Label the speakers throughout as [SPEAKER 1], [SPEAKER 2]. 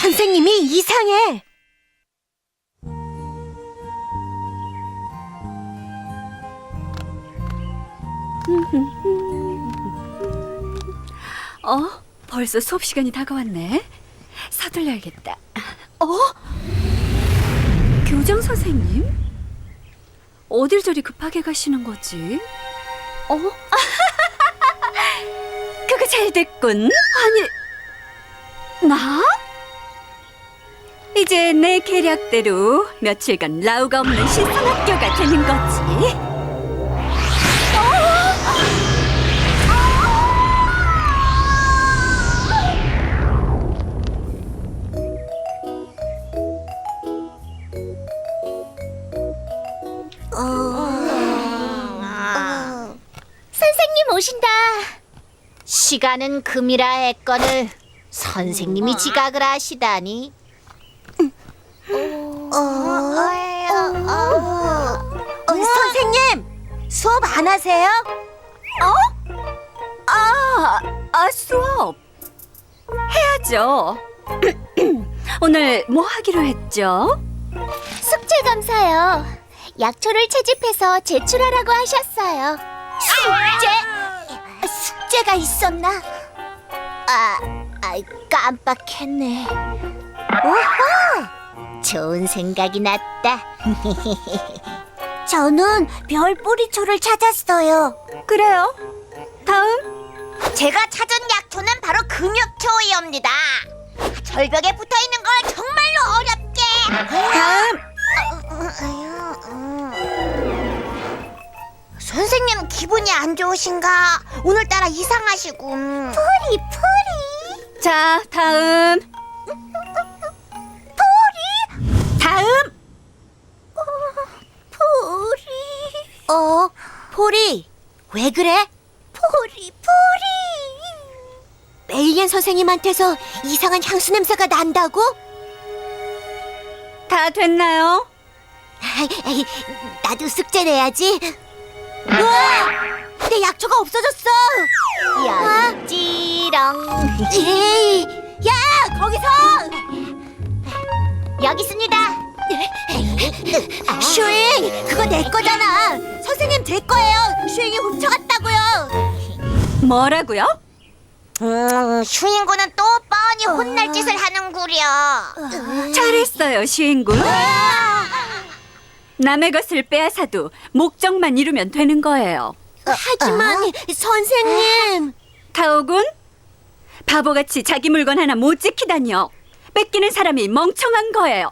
[SPEAKER 1] 선생님이 이상해.
[SPEAKER 2] 벌써 수업 시간이 다가왔네. 서둘러야겠다. 교장 선생님? 어딜 저리 급하게 가시는 거지? 그거 잘 됐군. 아니, 나? 이제 내 계략대로 며칠간 라우가 없는 신성학교가 되는 거지.
[SPEAKER 3] 선생님 오신다. 시간은 금이라 했거늘 선생님이 지각을 하시다니.
[SPEAKER 1] 선생님, 수업 안 하세요?
[SPEAKER 2] 수업 해야죠. 오늘 뭐 하기로 했죠?
[SPEAKER 3] 숙제 검사요. 약초를 채집해서 제출하라고 하셨어요. 숙제가 있었나? 깜빡했네. 오호! 좋은 생각이 났다.
[SPEAKER 1] 저는 별뿌리초를 찾았어요.
[SPEAKER 2] 그래요. 다음.
[SPEAKER 3] 제가 찾은 약초는 바로 금역초이옵니다. 절벽에 붙어있는 걸 정말로 어렵게. 선생님 기분이 안 좋으신가? 오늘따라 이상하시고. 풀이.
[SPEAKER 2] 자, 다음. 다음.
[SPEAKER 1] 포리, 왜 그래? 포리. 메이엔 선생님한테서 이상한 향수 냄새가 난다고?
[SPEAKER 2] 다 됐나요?
[SPEAKER 1] 나도 숙제 내야지. 우와! 내 약초가 없어졌어.
[SPEAKER 3] 여기지롱.
[SPEAKER 1] 에이, 야, 거기서!
[SPEAKER 3] 여기 있습니다.
[SPEAKER 1] 슈잉, 그거 내 거잖아. 선생님 제 거예요. 슈잉이 훔쳐갔다고요.
[SPEAKER 2] 뭐라고요?
[SPEAKER 3] 슈인구는 또 뻔히 혼날 짓을 하는구려.
[SPEAKER 2] 잘했어요, 시인군. 남의 것을 빼앗아도 목적만 이루면 되는 거예요.
[SPEAKER 1] 하지만 선생님.
[SPEAKER 2] 타오군, 바보같이 자기 물건 하나 못 지키다니요. 뺏기는 사람이 멍청한 거예요.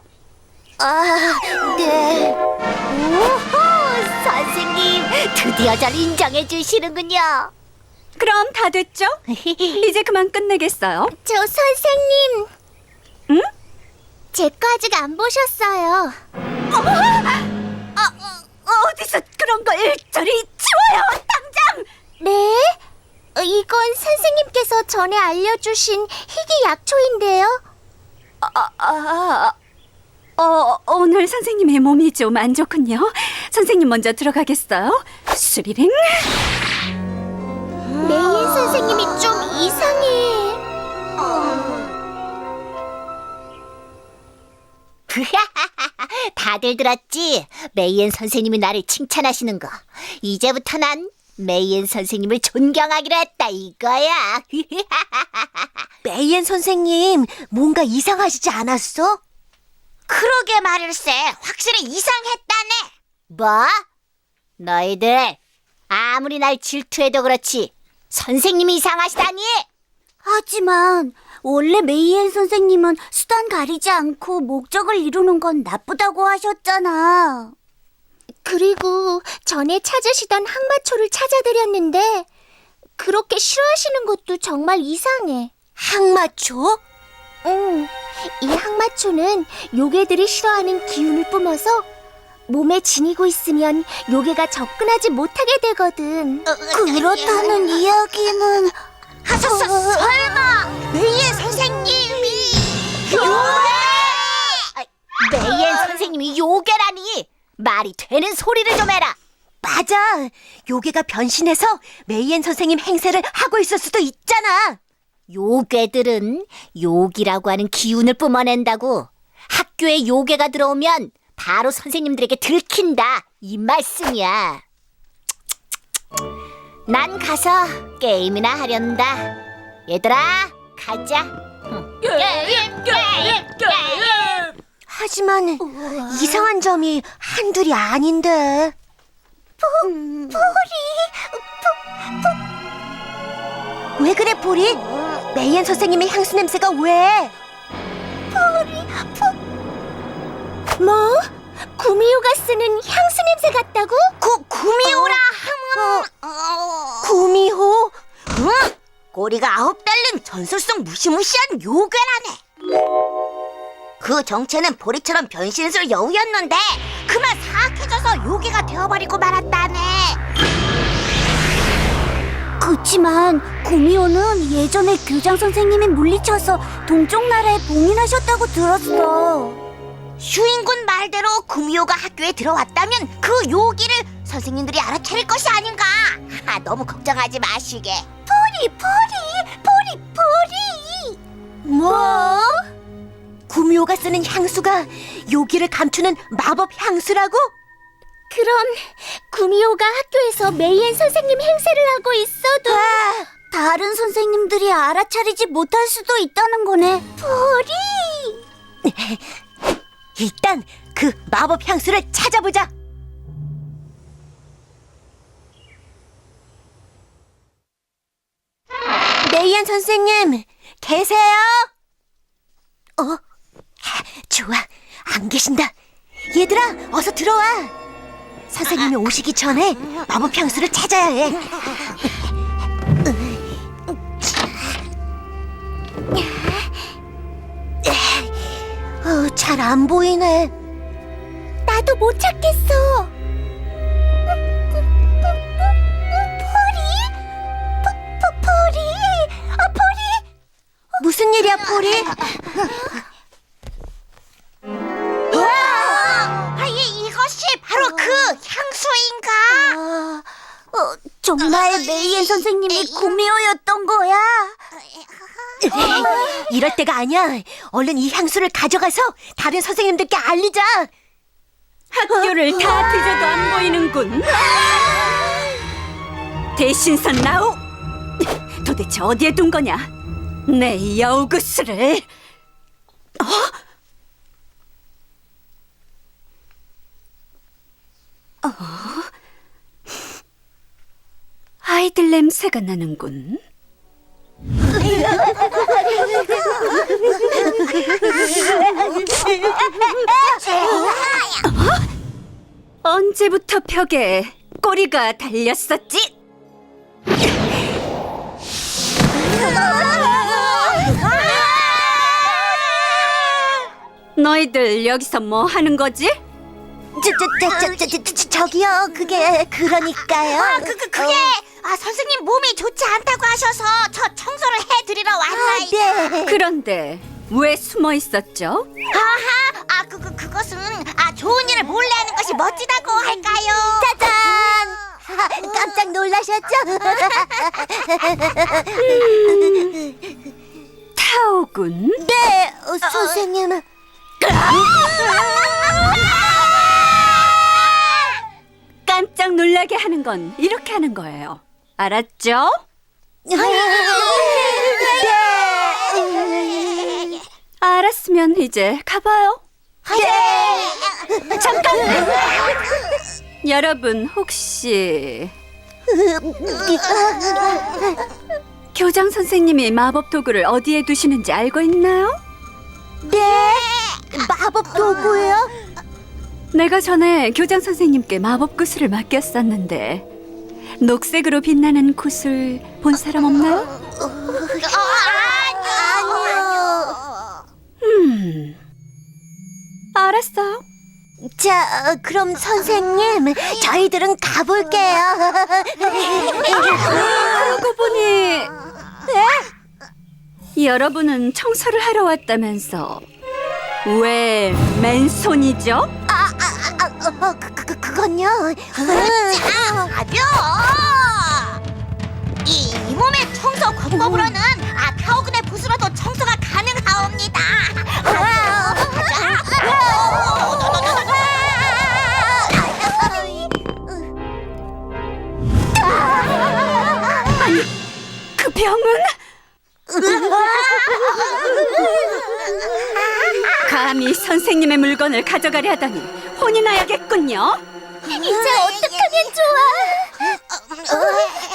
[SPEAKER 1] 네.
[SPEAKER 3] 오호, 선생님 드디어 절 인정해 주시는군요.
[SPEAKER 2] 그럼 다 됐죠? 이제 그만 끝내겠어요.
[SPEAKER 3] 저 선생님.
[SPEAKER 2] 응?
[SPEAKER 3] 제 거 아직 안 보셨어요.
[SPEAKER 2] 어디서 그런 걸 일절이 치워요, 당장!
[SPEAKER 3] 네? 이건 선생님께서 전에 알려주신 희귀 약초인데요.
[SPEAKER 2] 오늘 선생님의 몸이 좀 안 좋군요. 선생님 먼저 들어가겠어요. 스리링.
[SPEAKER 3] 메이엔 선생님이 좀 이상해. 다들 들었지? 메이엔 선생님이 나를 칭찬하시는 거. 이제부터 난 메이엔 선생님을 존경하기로 했다 이거야.
[SPEAKER 1] 메이엔 선생님, 뭔가 이상하시지 않았어?
[SPEAKER 3] 그러게 말일세. 확실히 이상했다네. 뭐? 너희들 아무리 날 질투해도 그렇지 선생님이 이상하시다니.
[SPEAKER 1] 하지만 원래 메이엔 선생님은 수단 가리지 않고 목적을 이루는 건 나쁘다고 하셨잖아.
[SPEAKER 3] 그리고 전에 찾으시던 항마초를 찾아드렸는데 그렇게 싫어하시는 것도 정말 이상해.
[SPEAKER 1] 항마초?
[SPEAKER 3] 응, 이 항마초는 요괴들이 싫어하는 기운을 뿜어서 몸에 지니고 있으면 요괴가 접근하지 못하게 되거든.
[SPEAKER 1] 그렇다는 이야기는...
[SPEAKER 3] 설마 메이엔 선생님이 요괴? 메이엔 선생님이 요괴라니. 말이 되는 소리를 좀 해라.
[SPEAKER 1] 맞아. 요괴가 변신해서 메이엔 선생님 행세를 하고 있을 수도 있잖아.
[SPEAKER 3] 요괴들은 욕이라고 하는 기운을 뿜어낸다고. 학교에 요괴가 들어오면 바로 선생님들에게 들킨다, 이 말씀이야. 난 가서 게임이나 하련다. 얘들아, 가자.
[SPEAKER 1] 하지만 이상한 점이 한둘이 아닌데. 왜 그래, 포리? 메이앤 선생님의 향수 냄새가 왜? 뭐? 구미호가 쓰는 향수 냄새 같다고? 구미호라 하면 구미호? 응? 꼬리가 9달린 전설성 무시무시한 요괴라네. 그 정체는 보리처럼 변신술 여우였는데 그만 사악해져서 요괴가 되어버리고 말았다네. 그치만 구미호는 예전에 교장 선생님이 물리쳐서 동쪽 나라에 봉인하셨다고 들었어. 슈인군 말대로 구미호가 학교에 들어왔다면 그 요기를 선생님들이 알아차릴 것이 아닌가. 너무 걱정하지 마시게. 포리. 뭐? 구미호가 쓰는 향수가 요기를 감추는 마법 향수라고? 그럼 구미호가 학교에서 메이앤 선생님 행세를 하고 있어도 다른 선생님들이 알아차리지 못할 수도 있다는 거네. 포리. 일단 그 마법 향수를 찾아보자. 메이앤 선생님, 계세요? 좋아, 안 계신다. 얘들아, 어서 들어와. 선생님이 오시기 전에 마법 향수를 찾아야 해. 잘 안 보이네. 나도 못 찾겠어. 포리? 무슨 일이야, 포리? 이것이 바로 그 향수인가? 정말 메이앤 선생님이 구미호였던 거야? 이럴 때가 아니야. 얼른 이 향수를 가져가서 다른 선생님들께 알리자.
[SPEAKER 2] 학교를 다 뒤져도 안 보이는군. 대신선 나오. 도대체 어디에 둔 거냐? 내 여우구스를. 아이들 냄새가 나는군. 언제부터 벽에 꼬리가 달렸었지? 너희들 여기서 뭐 하는 거지?
[SPEAKER 1] 저기요, 그게 그러니까요.
[SPEAKER 3] 그게 선생님 몸이 좋지 않다고 하셔서 저 청소를 해드리러 왔나이다.
[SPEAKER 1] 네.
[SPEAKER 2] 그런데 왜 숨어 있었죠?
[SPEAKER 3] 그것은 좋은 일을 몰래 하는 것이 멋지다고 할까요?
[SPEAKER 1] 짜잔! 깜짝 놀라셨죠?
[SPEAKER 2] 타오군.
[SPEAKER 1] 네, 선생님.
[SPEAKER 2] 깜짝 놀라게 하는 건 이렇게 하는 거예요. 알았죠? 알았으면 이제 가봐요. 잠깐! 여러분 혹시 교장 선생님이 마법 도구를 어디에 두시는지 알고 있나요?
[SPEAKER 1] 네, 마법 도구예요?
[SPEAKER 2] 내가 전에 교장 선생님께 마법 구슬을 맡겼었는데 녹색으로 빛나는 구슬 본 사람 없나요?
[SPEAKER 1] 아니요.
[SPEAKER 2] 알았어요.
[SPEAKER 1] 자, 그럼 선생님, 저희들은 가볼게요.
[SPEAKER 2] 그러고 보니 여러분은 청소를 하러 왔다면서 왜 맨손이죠?
[SPEAKER 1] 그건요.
[SPEAKER 3] 가벼! 이 몸의 청소 방법으로는 풀어도 청소가 가능하옵니다.
[SPEAKER 2] 아니, 그 병은? 감히 선생님의 물건을 가져가려 하다니 혼이 나야겠군요.
[SPEAKER 3] 이제 어떡하면 좋아?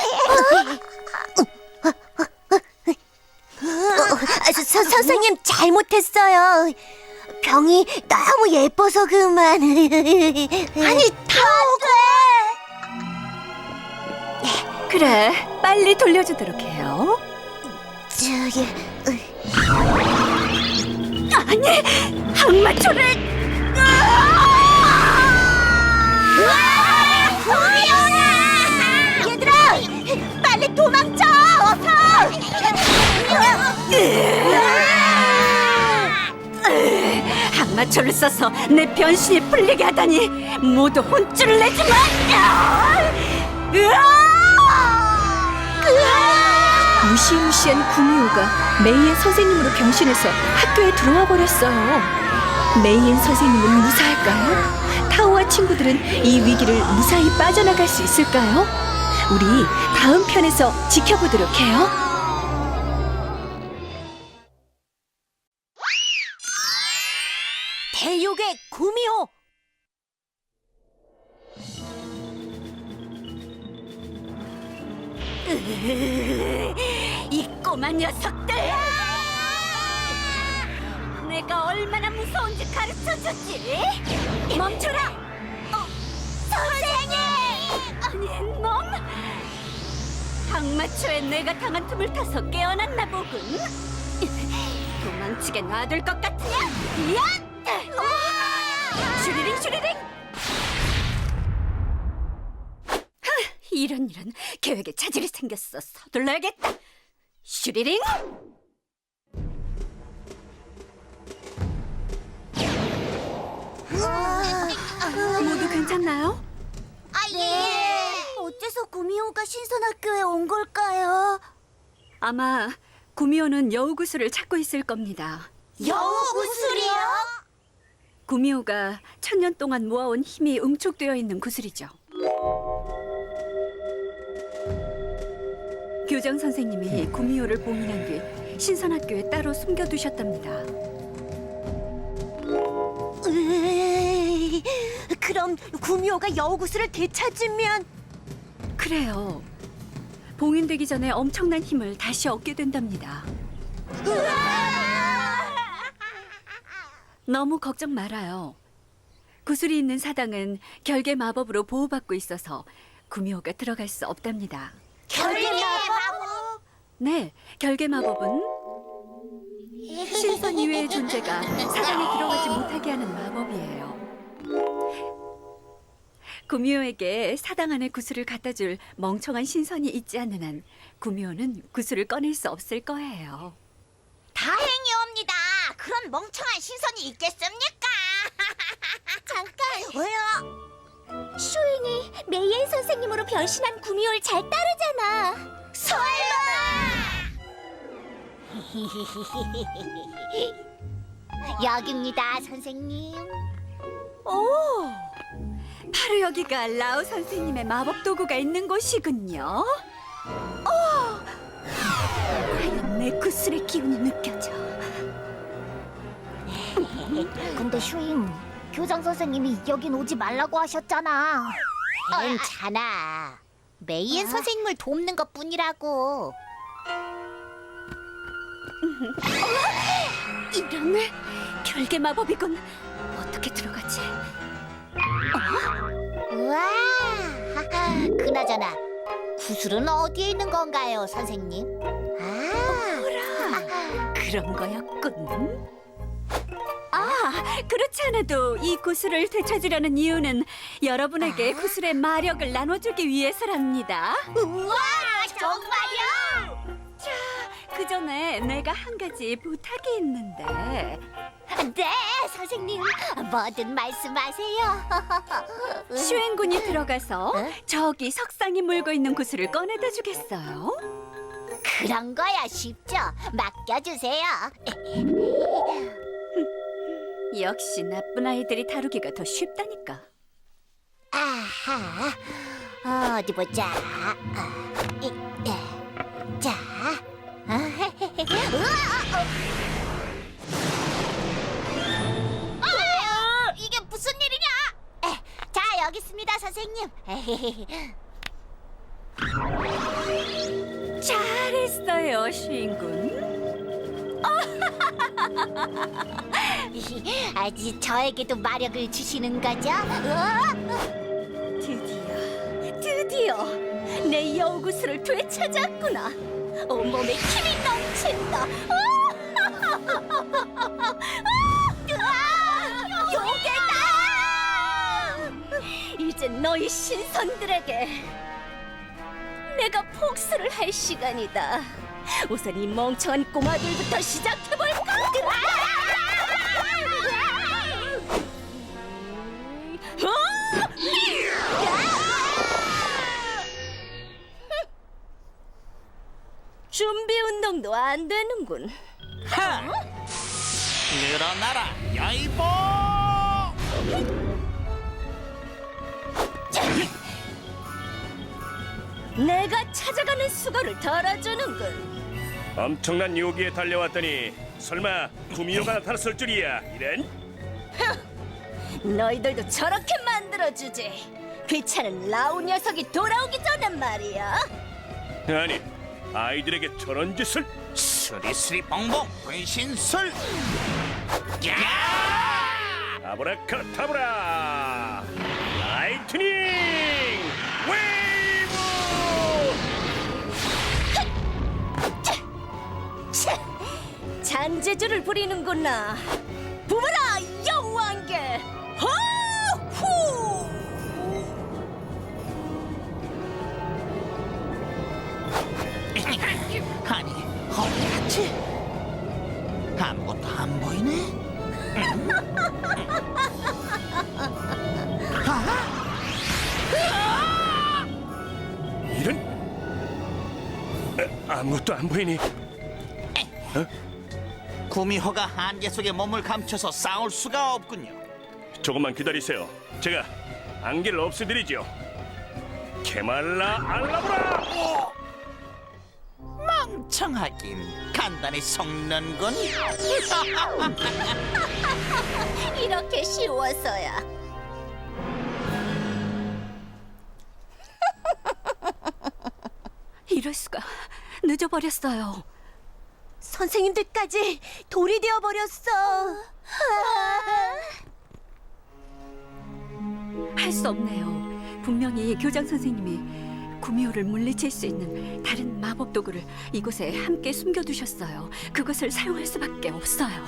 [SPEAKER 3] 선생님 잘못했어요. 병이 너무 예뻐서 그만. 아니 타오가.
[SPEAKER 2] 그래, 빨리 돌려주도록 해요.
[SPEAKER 3] 저기
[SPEAKER 2] 아니, 항마초를!
[SPEAKER 3] 얘들아, 빨리 도망쳐! 어서!
[SPEAKER 2] 항마초를 써서 내 변신이 풀리게 하다니 모두 혼쭐을 내지 마! 무시무시한 구미호가 메이엔 선생님으로 변신해서 학교에 들어와 버렸어요. 메이엔 선생님은 무사할까요? 타오와 친구들은 이 위기를 무사히 빠져나갈 수 있을까요? 우리 다음 편에서 지켜보도록 해요.
[SPEAKER 3] 대육의 구미호.
[SPEAKER 2] 이 꼬마 녀석들! 내가 얼마나 무서운지 가르쳐주지! 멈춰라!
[SPEAKER 3] 선생님!
[SPEAKER 2] 아니, 놈! 항마초에 내가 당한 틈을 타서 깨어났나 보군. 도망치게 놔둘 것 같으냐? 야! 슈리링 슈리링! 이런 계획에 차질이 생겼어. 서둘러야겠다. 슈리링! 모두 괜찮나요?
[SPEAKER 3] 예.
[SPEAKER 1] 어째서 구미호가 신선학교에 온 걸까요?
[SPEAKER 2] 아마 구미호는 여우구슬을 찾고 있을 겁니다.
[SPEAKER 3] 여우 구슬이요?
[SPEAKER 2] 구미호가 1000년 동안 모아온 힘이 응축되어 있는 구슬이죠. 교장 선생님이 구미호를 봉인한 뒤 신선학교에 따로 숨겨두셨답니다.
[SPEAKER 3] 그럼 구미호가 여우 구슬을 되찾으면
[SPEAKER 2] 그래요. 봉인되기 전에 엄청난 힘을 다시 얻게 된답니다. 너무 걱정 말아요. 구슬이 있는 사당은 결계 마법으로 보호받고 있어서 구미호가 들어갈 수 없답니다.
[SPEAKER 3] 결계 마법?
[SPEAKER 2] 네, 결계 마법은 신선 이외의 존재가 사당에 들어가지 못하게 하는 마법이에요. 구미호에게 사당 안에 구슬을 갖다 줄 멍청한 신선이 있지 않는 한 구미호는 구슬을 꺼낼 수 없을 거예요.
[SPEAKER 3] 다행이옵니다. 그런 멍청한 신선이 있겠습니까? 잠깐. 왜요? 슈잉이 메이엔 선생님으로 변신한 구미호를 잘 따르잖아. 설마! 여기입니다, 선생님.
[SPEAKER 2] 오, 바로 여기가 라오 선생님의 마법 도구가 있는 곳이군요. 과연 내 구슬의 기운이 느껴져.
[SPEAKER 3] 근데 슈잉, 교장 선생님이 여긴 오지 말라고 하셨잖아. 괜찮아. 메이엔 선생님을 돕는 것뿐이라고.
[SPEAKER 2] 이런 결계 마법이군. 어떻게 들어가지?
[SPEAKER 3] 우와, 그나저나 구슬은 어디에 있는 건가요, 선생님?
[SPEAKER 2] 그런 거였군. 그렇지 않아도 이 구슬을 되찾으려는 이유는 여러분에게 구슬의 마력을 나눠주기 위해서랍니다.
[SPEAKER 3] 우와, 정말요?
[SPEAKER 2] 그 전에 내가 한 가지 부탁이 있는데.
[SPEAKER 3] 네, 선생님, 뭐든 말씀하세요.
[SPEAKER 2] 슈행군이 들어가서
[SPEAKER 3] 어?
[SPEAKER 2] 저기 석상이 물고 있는 구슬을 꺼내다 주겠어요?
[SPEAKER 3] 그런 거야 쉽죠. 맡겨주세요.
[SPEAKER 2] 역시 나쁜 아이들이 다루기가 더 쉽다니까.
[SPEAKER 3] 아하, 어디 보자. 자, 이게 무슨 일이냐? 자, 여기 있습니다, 선생님.
[SPEAKER 2] 잘했어요, 시인군.
[SPEAKER 3] 아직 저에게도 마력을 주시는 거죠?
[SPEAKER 2] 드디어 내 여우구슬을 되찾았구나. 온몸에 힘이 넘친다.
[SPEAKER 3] 요괴다!
[SPEAKER 2] 이제 너희 신선들에게 내가 복수를 할 시간이다. 우선 이 멍청한 꼬마들부터 시작해볼까? 준비 운동도 안 되는군.
[SPEAKER 4] 하! 늘어나라, 야이보!
[SPEAKER 2] 내가 찾아가는 수고를 덜어주는군.
[SPEAKER 5] 엄청난 요기에 달려왔더니 설마 구미호가 나타났을 줄이야. 이런?
[SPEAKER 2] 너희들도 저렇게 만들어주지. 귀찮은 라우 녀석이 돌아오기 전에 말이야.
[SPEAKER 5] 아니, 아이들에게 저런 짓을.
[SPEAKER 4] 스리스리 뻥뻥 분신술! 야!
[SPEAKER 5] 아브라카타브라 라이트닝 웨이브.
[SPEAKER 2] 잔재주를 부리는구나. 부어라 여왕께. 호후.
[SPEAKER 4] 아니, 어디갔지? 아무것도 안 보이네?
[SPEAKER 5] 이런? 아무것도 안 보이니?
[SPEAKER 4] 구미호가 안개 속에 몸을 감춰서 싸울 수가 없군요.
[SPEAKER 5] 조금만 기다리세요. 제가 안개를 없애드리죠. 케말라 알라브라.
[SPEAKER 4] 멍청하긴 간단히 속는군.
[SPEAKER 2] 이렇게 쉬워서야. 이럴 수가. 늦어버렸어요. 선생님들까지 돌이 되어버렸어. 할 수 없네요. 분명히 교장 선생님이 구미호를 물리칠 수 있는 다른 마법 도구를 이곳에 함께 숨겨두셨어요. 그것을 사용할 수밖에 없어요.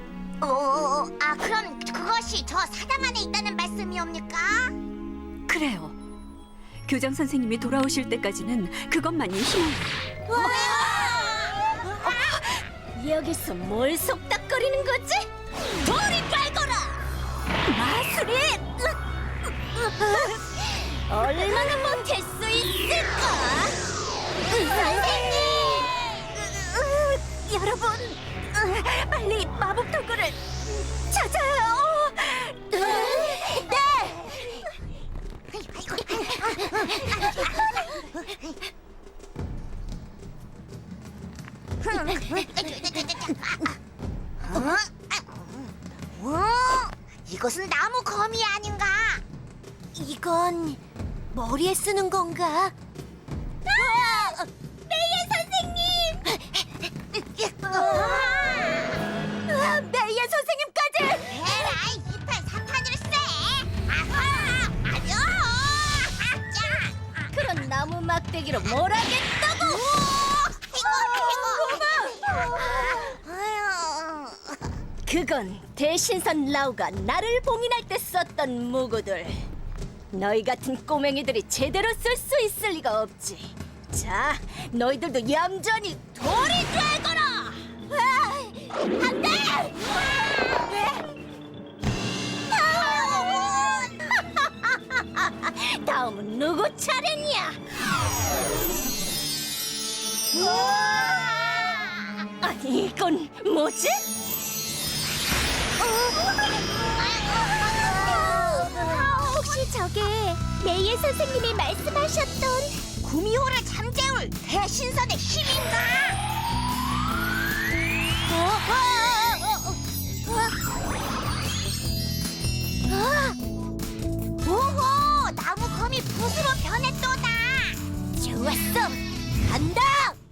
[SPEAKER 3] 그럼 그것이 저 사당 안에 있다는 말씀이옵니까?
[SPEAKER 2] 그래요. 교장 선생님이 돌아오실 때까지는 그것만이 희망이에요. 여기서 뭘 속닥거리는 거지? 돌이 빨거라! 마술이! 얼마나 못할 수 있을까?
[SPEAKER 3] 선생님!
[SPEAKER 2] 여러분, 빨리 마법 도구를 찾아요!
[SPEAKER 3] 네! 이것은 나무 거미 아닌가?
[SPEAKER 1] 이건 머리에 쓰는 건가?
[SPEAKER 3] 메이의 선생님!
[SPEAKER 1] 메이의 선생님까지!
[SPEAKER 3] 에라이, 2판 3판일세! 아하! 아뇨!
[SPEAKER 2] 그런 나무 막대기로 뭘 하겠다고! 그건 대신선 라우가 나를 봉인할 때 썼던 무구들. 너희 같은 꼬맹이들이 제대로 쓸 수 있을 리가 없지. 자, 너희들도 얌전히 돌이 되거라! 안 돼! 다음은 누구 차례냐?
[SPEAKER 3] 우와!
[SPEAKER 2] 이건 뭐지?
[SPEAKER 1] 혹시 저게 메이의 선생님이 말씀하셨던 구미호를 잠재울 대신선의 힘인가? 오호, 나무 검이 붓으로 변했도다. 좋았어, 간다.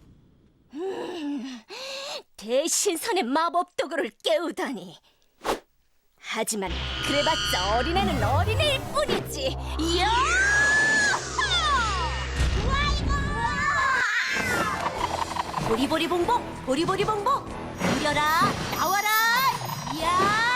[SPEAKER 2] 대신선의 마법 도구를 깨우다니. 하지만 그래봤자 어린애는 어린애일 뿐이지. 이야! 보리보리봉봉, 보리보리봉봉, 그려라, 나와라, 이야!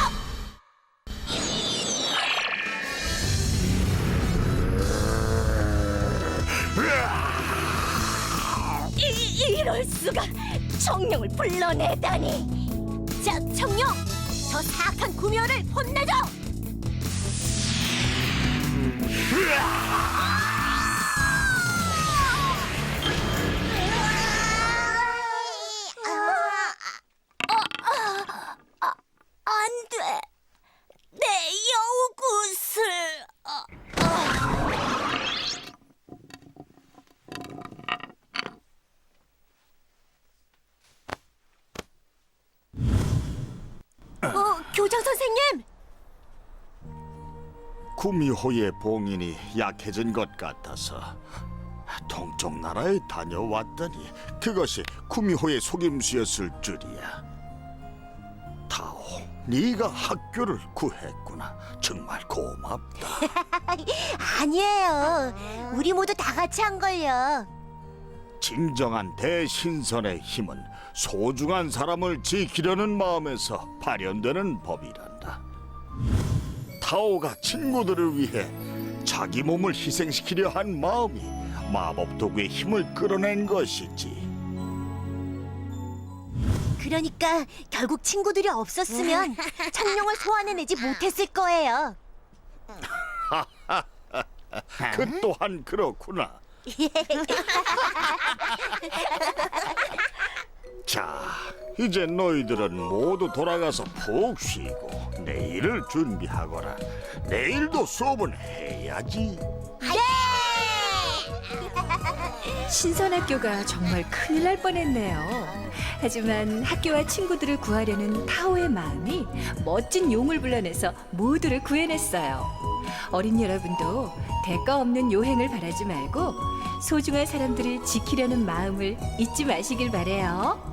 [SPEAKER 2] 이럴 수가! 청룡을 불러내다니! 자, 청룡! 저 사악한 구미호를 혼내줘!
[SPEAKER 1] 안 돼. 내 여우굿을.
[SPEAKER 2] 교장 선생님!
[SPEAKER 6] 구미호의 봉인이 약해진 것 같아서 동쪽 나라에 다녀왔더니 그것이 구미호의 속임수였을 줄이야. 타오, 네가 학교를 구했구나. 정말 고맙다.
[SPEAKER 1] 아니에요. 우리 모두 다 같이 한 걸요.
[SPEAKER 6] 진정한 대신선의 힘은 소중한 사람을 지키려는 마음에서 발현되는 법이란다. 타오가 친구들을 위해 자기 몸을 희생시키려 한 마음이 마법 도구의 힘을 끌어낸 것이지.
[SPEAKER 1] 그러니까 결국 친구들이 없었으면 청룡을 소환해내지 못했을 거예요.
[SPEAKER 6] 그 또한 그렇구나. 자, 이제 너희들은 모두 돌아가서 푹 쉬고 내일을 준비하거라. 내일도 수업은 해야지.
[SPEAKER 2] 신선학교가 정말 큰일 날 뻔했네요. 하지만 학교와 친구들을 구하려는 타오의 마음이 멋진 용을 불러내서 모두를 구해냈어요. 어린 여러분도 대가 없는 요행을 바라지 말고 소중한 사람들을 지키려는 마음을 잊지 마시길 바래요.